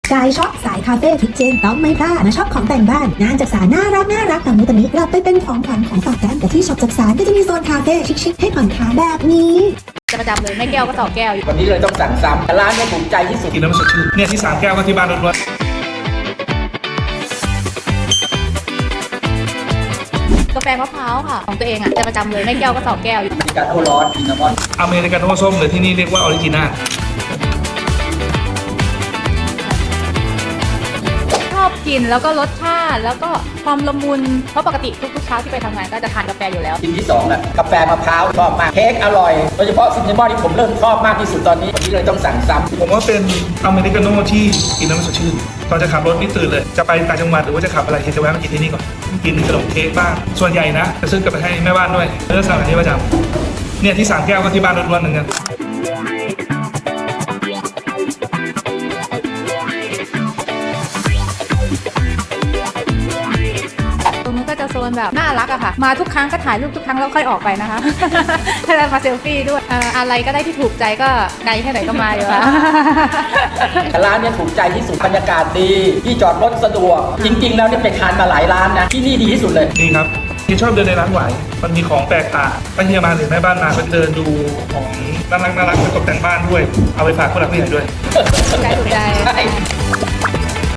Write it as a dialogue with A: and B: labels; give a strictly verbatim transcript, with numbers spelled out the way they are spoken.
A: สายช็อปสายคาเฟ่ทุกเจนต้องไม่พลาดมาช็อปของแต่งบ้านงานจักสานน่ารักน่ารักตามนู้นตามนี้กลับไปเป็นของขวัญของฝากกันแต่ที่ช็อปจักสานก็จะมีโซนคาเฟ่ชิคๆให้ผ่อนคลายแบบนี้
B: จะประจำเลยไม่แก้วก็ต่อแก้ว
C: วันนี้เลยต้องสั่งซ้ำร้านนี้ถูกใจที่สุด
D: กินแล้วมันสดชื่นเนี่ยที่สามแก้วก็ที่บ้านล้วน
B: กาแฟมะพร้าวค่ะของตัวเองอ่ะจะประจำเลยไม่แก้วก็ต่อแก้ว
C: มีการโอร้อนซินนามอน
D: ๆอเมริกาโน่ส้มหรือที่นี่เรียกว่าออริจินา
B: ชอบกินแล้วก็รสชาติแล้วก็ความละมุนเพราะปกติทุกๆเช้าที่ไปทำงานก็จะทานกาแฟอยู่แล้ว
C: ชิ้นที่สองอะกาแฟมะพร้าวชอบมากเค้กอร่อยโดยเฉพาะซินนามอนที่ผมเริ่มชอบมากที่สุดตอนนี้วันนี้เลยต้องสั่งซ้ำ
D: ผมว่าเป็นอเมริกาโน่ที่กินแล้วมันสดชื่นตอนจะขับรถนี่ตื่นเลยจะไปต่างจังหวัดหรือว่าจะขับอะไรจะแวะมากินที่นี่ก่อนกินขนมเค้กบ้างส่วนใหญ่นะจะซื้อกลับไปให้แม่บ้านด้วยเลือกสั่งอันนี้ประจำเนี่ยที่สามแก้วก็ที่บ้านล้วนๆเหมือนกัน
B: ตรงนู้นก็จะโซนแบบน่ารักอะค่ะมาทุกครั้งก็ถ่ายรูปทุกครั้งแล้วค่อยออกไปนะคะถ้าจะมาเซลฟี่ด้วยเอ่ออะไรก็ได้ที่ถูกใจก็ไกลแค่ไหนก็มาอยู่แล้ว
C: ร้านนี้ถูกใจที่สุดบรรยากาศดีที่จอดรถสะดวกจริงๆแล้วเนี่ยไปทานมาหลายร้านนะที่นี่ดีที่สุดเลย
D: ดีครับที่ชอบเดินในร้านหวายมันมีของแปลกตาไปเฮียมาหรือแม่บ้านมาก็เดินดูของน่ารักน่ารักไปตกแต่งบ้านด้วยเอาไปฝากผู้หลักผู้ใหญ่ด้วย
B: ถูกใจถูกใจ
C: ใช่